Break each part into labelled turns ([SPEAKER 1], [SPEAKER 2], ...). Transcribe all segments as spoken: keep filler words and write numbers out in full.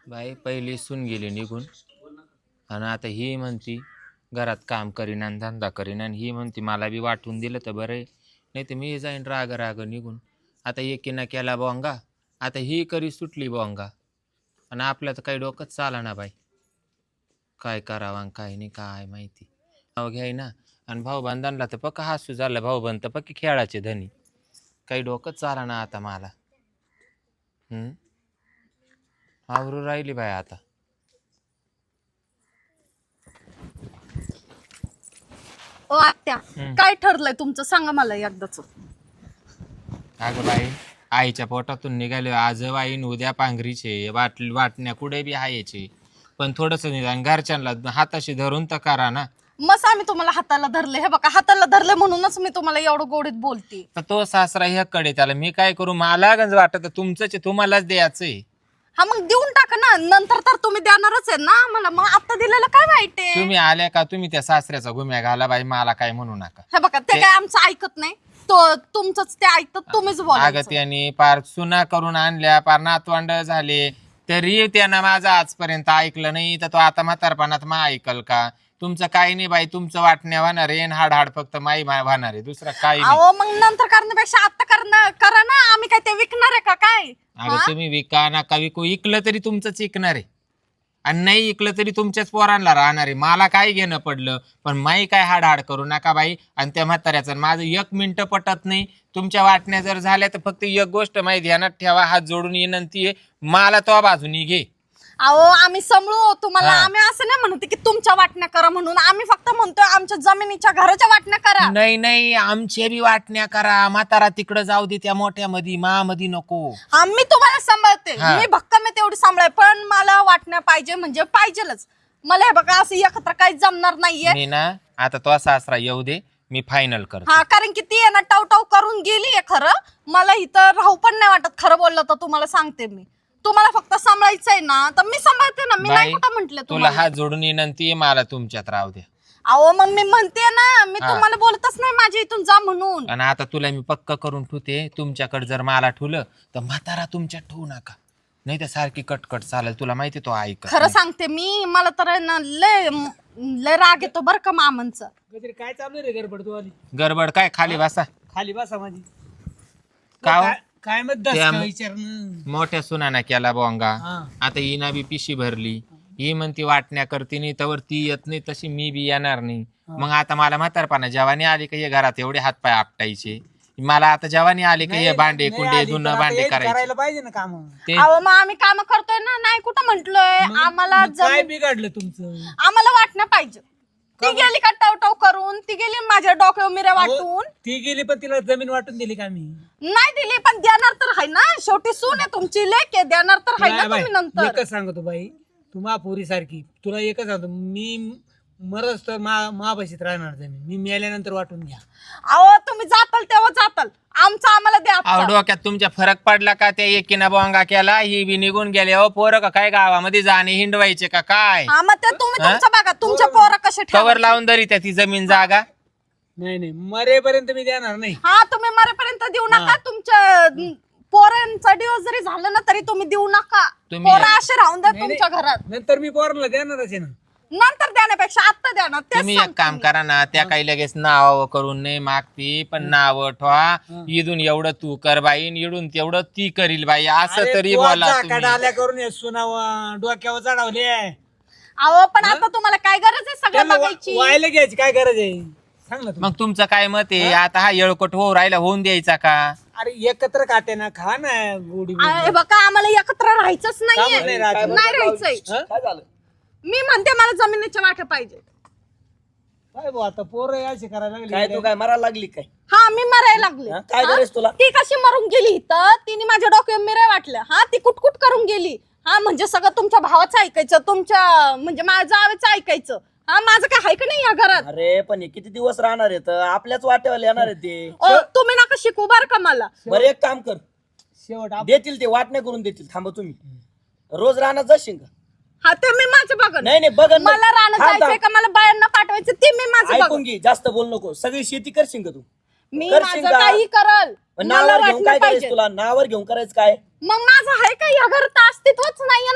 [SPEAKER 1] बाई पहिली सून गेली निघून आणि आता ही म्हणती घरात काम करीन आणि धंदा करीन आणि ही म्हणती मला बी वाटून दिलं तर बरं आहे, नाही तर मी जाईन राग राग निघून. आता एकीनं केला बोंगा, आता ही करी सुटली बोंगा आणि आपल्या तर काही डोकंच चाला ना बाई. काय करावं आणि काय नाही काय माहिती. नाव घ्याय ना आणि भाऊबंधांना तर पक्का हसू झालं, भाऊबंद तर पक्की खेळाचे धनी. काही डोकंच चाला ना आता मला. हम्म आवरू राहिली बाई आता.
[SPEAKER 2] ओ आत्या,
[SPEAKER 1] हम्म.
[SPEAKER 2] काय ठरलंय तुमचं सांगा मला एकदाच.
[SPEAKER 1] अगं बाई आईच्या पोटातून निघाले आज वाईन उद्या पांघरीचे वाट वाटण्या कुठे बी हायचे, पण थोडस निदान घरच्यांना हाताशी धरून तर करा ना.
[SPEAKER 2] मस आम्ही तुम्हाला हाताला धरले, हे बघा हाताला धरले म्हणूनच मी तुम्हाला एवढं गोडीत बोलते.
[SPEAKER 1] तर तो सासरा ह्याकडे त्याला मी काय करू, मला गंज वाटत तुमचंच तुम्हालाच द्यायचंय.
[SPEAKER 2] हा मग देऊन टाका ना, नंतर तर तुम्ही देणारच आहे ना मला, मग आता दिलेलं काय वाईट आहे.
[SPEAKER 1] तुम्ही आल्या का तुम्ही त्या सासऱ्याचा गुम्या घाला बाई, मला काय म्हणू नका.
[SPEAKER 2] हे बघा ते काय आमचं ऐकत नाही, तो तुमचंच ते ऐकत तुम्हीच
[SPEAKER 1] अगं
[SPEAKER 2] बोलायचं.
[SPEAKER 1] त्यांनी पार सुना करून आणल्या, पार नातवंड झाले, तरी त्यानं माझं आजपर्यंत ऐकलं नाही. तर तो आता म्हातारपणात मा ऐकल का? तुमचं काही नाही बाई, तुमचं वाटण्या होणार आहे, हाड हाड फक्त माई माय होणार आहे, दुसरं काही नाही.
[SPEAKER 2] अहो मग नंतर करण्यापेक्षा आता करणं करा ना, आम्ही काय ते विकणार आहे का काय?
[SPEAKER 1] अगं तुम्ही विका नका विकू, इकलं तरी तुमचंच इकणार आहे आणि नाही इकलं तरी तुमच्याच पोरांना राहणार आहे. मला काय घेणं पडलं, पण माई काय हाड हाड करू नका बाई. आणि त्या म्हाताऱ्याचं माझं एक मिनिटं पटत नाही. तुमच्या वाटण्या जर झाल्या तर फक्त एक गोष्ट माही ध्यानात ठेवा, हात जोडून विनंती आहे, मला तो बाजूनी घे.
[SPEAKER 2] अहो आम्ही समळू तुम्हाला,
[SPEAKER 1] हा.
[SPEAKER 2] आम्ही असं नाही म्हणते की तुमच्या वाटण्या करा म्हणून, आम्ही फक्त म्हणतोय आमच्या जमिनीच्या घराच्या वाटण्या करा.
[SPEAKER 1] नाही नाही आमच्या बी वाटण्या करा, म्हातारा तिकडं जाऊ दे त्या मोठ्या मधी, मा मधी नको.
[SPEAKER 2] आम्ही तुम्हाला सांभाळते,
[SPEAKER 1] हा.
[SPEAKER 2] मी भक्कम आहे तेवढी सांभाळ, पण मला वाटण्या पाहिजे म्हणजे पाहिजेलच मला. हे बघा असं एकत्र काही जमणार नाहीये.
[SPEAKER 1] मी ना आता तो सासरा येऊ दे, मी फायनल करतो.
[SPEAKER 2] हा कारण की ती आहे ना टाव टाव करून गेली आहे खरं, मला इथं राहू पण नाही वाटत खरं बोललं तर. तुम्हाला सांगते मी, तुम्हाला फक्त सांभाळायचंय ना तर मी सांभाळते ना, मी नाही
[SPEAKER 1] बाई,
[SPEAKER 2] कुठं म्हंटल
[SPEAKER 1] तुला
[SPEAKER 2] तुम्हाला.
[SPEAKER 1] हात जोडून विनंती आहे, मला तुमच्यात राहू दे.
[SPEAKER 2] अहो मग मी म्हणते ना, मी
[SPEAKER 1] हा.
[SPEAKER 2] तुम्हाला बोलतच नाही माझ्या इथून जा म्हणून.
[SPEAKER 1] आणि आता तुला मी पक्क करून ठेवते, तुमच्याकडे जर मला ठेवलं तर म्हातारा तुमच्यात ठेवू नका, नाही तर सारखी कटकट चालेल. तुला माहिती तो ऐक
[SPEAKER 2] खरं सांगते मी, मला तर आहे ना लय लय राग येतो बरं का मामांचा.
[SPEAKER 3] काय चालू रे गडबड तू आली
[SPEAKER 1] गडबड काय, खाली बसा.
[SPEAKER 3] खाली बसा माझी.
[SPEAKER 1] का हो?
[SPEAKER 3] काय मत
[SPEAKER 1] त्या-
[SPEAKER 3] विचार
[SPEAKER 1] मोठ्या सुनाना केला बोंगा, आता हिना बी पिशी भरली, ही म्हणती वाटण्या करते नाही तर ती येत नाही, तशी मी बी येणार नाही. मग आता मला म्हातारपणा जवानी आली का हे घरात एवढे हातपाय आपटायचे, मला आता जवानी आली का हे भांडे कुंडे धुणं भांडे करायचे
[SPEAKER 3] करायला पाहिजे ना काम.
[SPEAKER 1] ते.
[SPEAKER 2] अहो मग आम्ही काम करतोय ना, नाही कुठं म्हंटलोय. आम्हाला
[SPEAKER 3] काय
[SPEAKER 2] जमीन-
[SPEAKER 3] बिघडलं तुमचं?
[SPEAKER 2] आम्हाला वाटणं पाहिजे. ती गेली का टाव टाव करून, ती गेली माझ्या डोक्यावर मिऱ्या वाटून.
[SPEAKER 3] ती गेली पण तिला जमीन वाटून दिली का मी?
[SPEAKER 2] नाही दिली पण देणार तर आहे ना, शेवटी सून आहे तुमची, लेक आहे, देणार तर आहे ना तुम्ही नंतर.
[SPEAKER 3] एकच सांगतो बाई, तू महापुरी सारखी, तुला एकच सांगतो, मी मरच तर महाभाषेत राहणार जमीन, मी मेल्यानंतर वाटून घ्या.
[SPEAKER 2] अहो तुम्ही जाताल तेव्हा जाताल, आमचं आम्हाला द्या
[SPEAKER 1] अहो
[SPEAKER 2] आता.
[SPEAKER 1] डोक्यात तुमच्या फरक पडला का? त्या एकीनं बोंगा केला, ही बी निघून गेले. अहो पोरं का काय गावामध्ये जाणे हिंडवायचे का काय?
[SPEAKER 2] हा मग ते तुम्ही
[SPEAKER 1] हा?
[SPEAKER 2] तुमच्या बघा, तुमच्या पोरं कसे
[SPEAKER 1] कवर
[SPEAKER 2] ठेवा.
[SPEAKER 1] लावून धरी त्या ती जमीन जागा.
[SPEAKER 3] नाही नाही मरेपर्यंत मी देणार नाही.
[SPEAKER 2] हा तुम्ही मरेपर्यंत देऊ नका. तुमच्या पोरांचा दिवस जरी झालं ना तरी तुम्ही देऊ नका.
[SPEAKER 1] तुम्ही-
[SPEAKER 2] पोरं असे राहून द्या
[SPEAKER 3] नाही,
[SPEAKER 2] तुमच्या घरात.
[SPEAKER 3] नंतर मी पोरांना देणारच आहे ना.
[SPEAKER 2] नंतर देण्यापेक्षा आता द्या ना. तेच
[SPEAKER 1] तुम्ही एक
[SPEAKER 2] सांगते
[SPEAKER 1] काम
[SPEAKER 2] मी.
[SPEAKER 1] करा ना, त्या काही लगेच नाव करून नाही मागती, पण नाव ठेवा. इथून एवढं तू कर बाई, इडून तेवढं ती करील बाई, असं
[SPEAKER 3] अरे
[SPEAKER 1] तरी
[SPEAKER 3] तू
[SPEAKER 1] बोला
[SPEAKER 3] आता
[SPEAKER 1] तुम्ही.
[SPEAKER 3] डाल्या करून ये सुनावा डोक्यावर चढवले.
[SPEAKER 2] अहो पण आता तुम्हाला काय गरज आहे सगळं
[SPEAKER 3] त्यांना
[SPEAKER 2] बघायची?
[SPEAKER 3] वा- वायला घ्यायची काय गरज आहे सांग ना तू.
[SPEAKER 1] मग तुमचं काय मत आहे? आता हा येळकोट हो राहिला, होऊन द्यायचा का?
[SPEAKER 3] अरे एकत्र खाते ना, खा ना गोडी गोडी.
[SPEAKER 2] अरे बघा आम्हाला एकत्र राहायचंच
[SPEAKER 3] का म्हणून
[SPEAKER 2] नाहीये,
[SPEAKER 3] नाही राहायचं?
[SPEAKER 2] नाही राहायचंय.
[SPEAKER 3] हं? काय झालं
[SPEAKER 2] मी म्हणते मला जमिनीच्या वाटे पाहिजे.
[SPEAKER 3] काय भाऊ आता पोरं यायचे करायला लागली
[SPEAKER 4] काय तू काय मरायला लागली काय?
[SPEAKER 2] हा मी मरायला लागले.
[SPEAKER 4] हा, काय
[SPEAKER 2] हा?
[SPEAKER 4] गरज तुला?
[SPEAKER 2] ती कशी मरून गेली इथं, तिने माझ्या डोक्यावर मिऱ्या वाटल्या. हा ती कुटकुट करून गेली. हा म्हणजे सगळं तुमच्या भावाचं ऐकायचं, तुमच्या म्हणजे माझ्या जावेचं ऐकायचं. हा माझं काय आहे का नाही या घरात?
[SPEAKER 4] अरे पण हे किती दिवस राहणार आहेत? आपल्याच वाट्यावर येणार आहेत ते.
[SPEAKER 2] ओ, तुम्ही नका शिकू बर का मला.
[SPEAKER 4] बरं एक काम कर,
[SPEAKER 3] शेवट आप-
[SPEAKER 4] देतील ते वाटण्या करून देतील. थांबा तुम्ही रोज राहणार जाशील का?
[SPEAKER 2] हा ते मी माझं बघन.
[SPEAKER 4] नाही नाही बघ
[SPEAKER 2] मला राहणं जायचंय का मला बायांना पाठवायचं ते मी माझं
[SPEAKER 4] ऐकून
[SPEAKER 2] बघन.
[SPEAKER 4] घे, जास्त बोल नको. सगळी शेती करशील का तू?
[SPEAKER 2] मी
[SPEAKER 4] करशील
[SPEAKER 2] माझं
[SPEAKER 4] का?
[SPEAKER 2] काही करल.
[SPEAKER 4] पण
[SPEAKER 2] मला
[SPEAKER 4] नावावर घेऊन
[SPEAKER 2] वाटलं
[SPEAKER 4] काय करायचं
[SPEAKER 2] पाहिजे.
[SPEAKER 4] तुला? नावावर घेऊन करायचं काय?
[SPEAKER 2] मग माझं आहे का या घरात अस्तित्वच नाहीये ना माझं.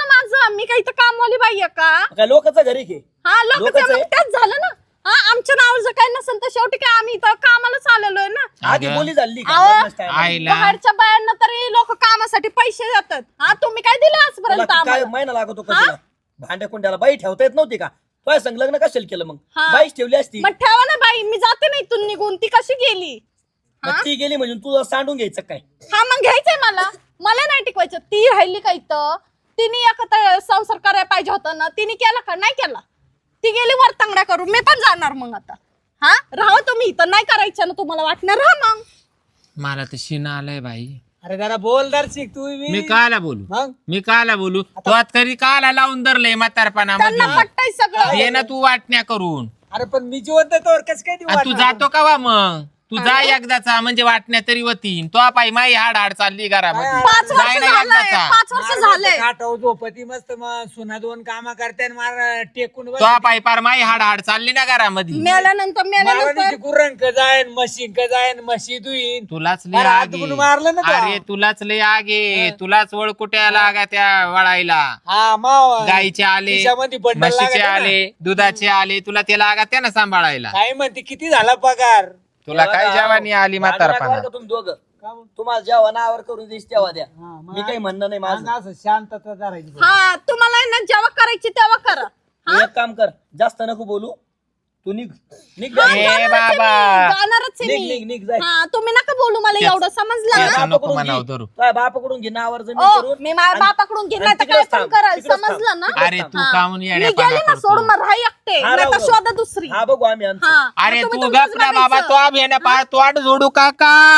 [SPEAKER 2] ना मी काही तर कामवाली बाई आहे का
[SPEAKER 4] काय लोकांचं घरी घे
[SPEAKER 2] हा लोक
[SPEAKER 4] लोकच आहे.
[SPEAKER 2] त्याच झालं ना हा आमच्या नावावर जर काही नसेल तर शेवटी काय आम्ही इथं कामालाच आलेलोय ना
[SPEAKER 4] आधी
[SPEAKER 1] अगं.
[SPEAKER 4] बोली झाली का?
[SPEAKER 2] अहो.
[SPEAKER 4] लग्नाच्या time ला.
[SPEAKER 1] आईला
[SPEAKER 2] बाहेरच्या बायांना तरी लोक कामासाठी पैसे देतात हा तुम्ही काय दिलं
[SPEAKER 4] तुला
[SPEAKER 2] आजपर्यंत
[SPEAKER 4] काय
[SPEAKER 2] आम्हाला
[SPEAKER 4] महिना लागतो का तुला भांड्या कुंड्याला बाई ठेवता येत नव्हती का तुझ्या संग लग्न कशाला केलं मग
[SPEAKER 2] हा.
[SPEAKER 4] बाईच ठेवली असती
[SPEAKER 2] मग ठेवा ना बाई मी जाते ना इथून निघून ती कशी गेली
[SPEAKER 4] मग ती गेली म्हणजे तू सांडून घ्यायचं काय
[SPEAKER 2] हा मग घ्यायचंय मला मला नाही टिकवायचं ती राहिली का इथं तिने एकत्र संसार करायला पाहिजे होता ना तिने केला का नाही केला ती गेली वर तांगड्या करून मी पण जाणार मग आता हा राहा तुम्ही इथं नाही करायचं ना तुम्हाला वाटणार राहा मग
[SPEAKER 1] मला तर शिन आलाय बाई
[SPEAKER 3] अरे जरा बोल दर्शिक तू
[SPEAKER 1] मी
[SPEAKER 3] बी.
[SPEAKER 1] काला बोलू
[SPEAKER 3] मग
[SPEAKER 1] मी काला बोलू तो आता तरी काला लावून धरलंय म्हातारपणामध्ये
[SPEAKER 2] त्यांना पट्टाय सगळं
[SPEAKER 1] ये ना तू वाटण्या करून
[SPEAKER 3] अरे पण मी जिवंत तोवर कस काय देऊ
[SPEAKER 1] आणि तू
[SPEAKER 3] वाटणार?
[SPEAKER 1] जातो का वा मग तू जा एकदाचा म्हणजे वाटण्या तरी होतीन तो पाय माई हाड हाड चालली घरामध्ये
[SPEAKER 2] पाच वर्ष
[SPEAKER 1] जाय ना
[SPEAKER 2] झालंय
[SPEAKER 1] एकदाचा
[SPEAKER 2] पाच वर्ष
[SPEAKER 3] मार
[SPEAKER 2] झालंय
[SPEAKER 3] खाटाव झोपती मस्त मग सुना दोन कामा करते मार टेकून बस.
[SPEAKER 1] तो पाय पार माई हाड हाड चालली ना घरामध्ये
[SPEAKER 2] मेल्यानंतर मेल्यानंतर
[SPEAKER 3] मारवानीची गुर्रंक जाईन मशीन का जाईन म्हशी दुईन
[SPEAKER 1] तुलाच लय
[SPEAKER 3] अरे,
[SPEAKER 1] आगे
[SPEAKER 3] हातून मारलं ना तो.
[SPEAKER 1] अरे तुलाच लय आगे तुलाच वळकुट्या लागा त्या वळायला
[SPEAKER 3] हा माव
[SPEAKER 1] गाईचे आले
[SPEAKER 3] खिशामध्ये बंडल
[SPEAKER 1] म्हशीचे
[SPEAKER 3] लागत
[SPEAKER 1] आले दुधाचे आले तुला ते लागा त्या ना सांभाळायला
[SPEAKER 3] काय म्हणते किती झाला पगार
[SPEAKER 1] तुला काय जेवणी आली
[SPEAKER 4] भांडू नका
[SPEAKER 1] म्हातारपणा
[SPEAKER 4] बरं का तुम्ही दोघं
[SPEAKER 3] का मग?
[SPEAKER 4] तुम्हाला जेव्हा नावावर करून देईस तेव्हा द्या
[SPEAKER 3] हा, मग
[SPEAKER 4] मी काही म्हणणं नाही माझं
[SPEAKER 3] अंग असं शांतता धरायची
[SPEAKER 2] हा तुम्हाला आहे ना जेव्हा करायची तेव्हा करा
[SPEAKER 4] तू एक काम कर जास्त नको बोलू तू निघ निघ
[SPEAKER 2] हा,
[SPEAKER 4] जाय.
[SPEAKER 1] ए
[SPEAKER 2] जाणारच आहे
[SPEAKER 1] बाबा.
[SPEAKER 2] मी, जाणारच आहे
[SPEAKER 4] निघ
[SPEAKER 2] मी
[SPEAKER 4] निघ निघ जाय
[SPEAKER 2] हा तुम्ही नका बोलू मला
[SPEAKER 1] त्याच-
[SPEAKER 2] एवढं समजलं
[SPEAKER 1] त्याच-
[SPEAKER 2] ना
[SPEAKER 1] नको
[SPEAKER 4] बापाकडून
[SPEAKER 1] म्हणावं
[SPEAKER 4] घे.
[SPEAKER 1] धरू.
[SPEAKER 4] तुझ्या बापाकडून घे नावावर जमीन
[SPEAKER 2] ओ
[SPEAKER 4] करून
[SPEAKER 2] मी माझ्या
[SPEAKER 4] आणि-
[SPEAKER 2] बापाकडून घेणार
[SPEAKER 4] आणि
[SPEAKER 2] तर काय
[SPEAKER 4] तिकडेच
[SPEAKER 2] पण
[SPEAKER 4] थांब,
[SPEAKER 2] कराल
[SPEAKER 4] तिकडेच थांब.
[SPEAKER 2] समजलं ना
[SPEAKER 1] अरे तू
[SPEAKER 2] हा.
[SPEAKER 1] कामून
[SPEAKER 2] मी
[SPEAKER 1] येड्यापणा
[SPEAKER 2] गेली ना
[SPEAKER 1] करतो.
[SPEAKER 2] सोडून मग राहा एकटे
[SPEAKER 4] हा,
[SPEAKER 2] नाही तर
[SPEAKER 4] राहू,
[SPEAKER 2] शोधा दुसरी
[SPEAKER 4] हा बघू आम्ही आमचं.
[SPEAKER 2] हा
[SPEAKER 1] अरे
[SPEAKER 2] मग तुम्ही
[SPEAKER 1] तू
[SPEAKER 2] तुमचंच
[SPEAKER 1] गप ना बाबा
[SPEAKER 2] बघायचं.
[SPEAKER 1] तो अभियाना पार तोड जोडू का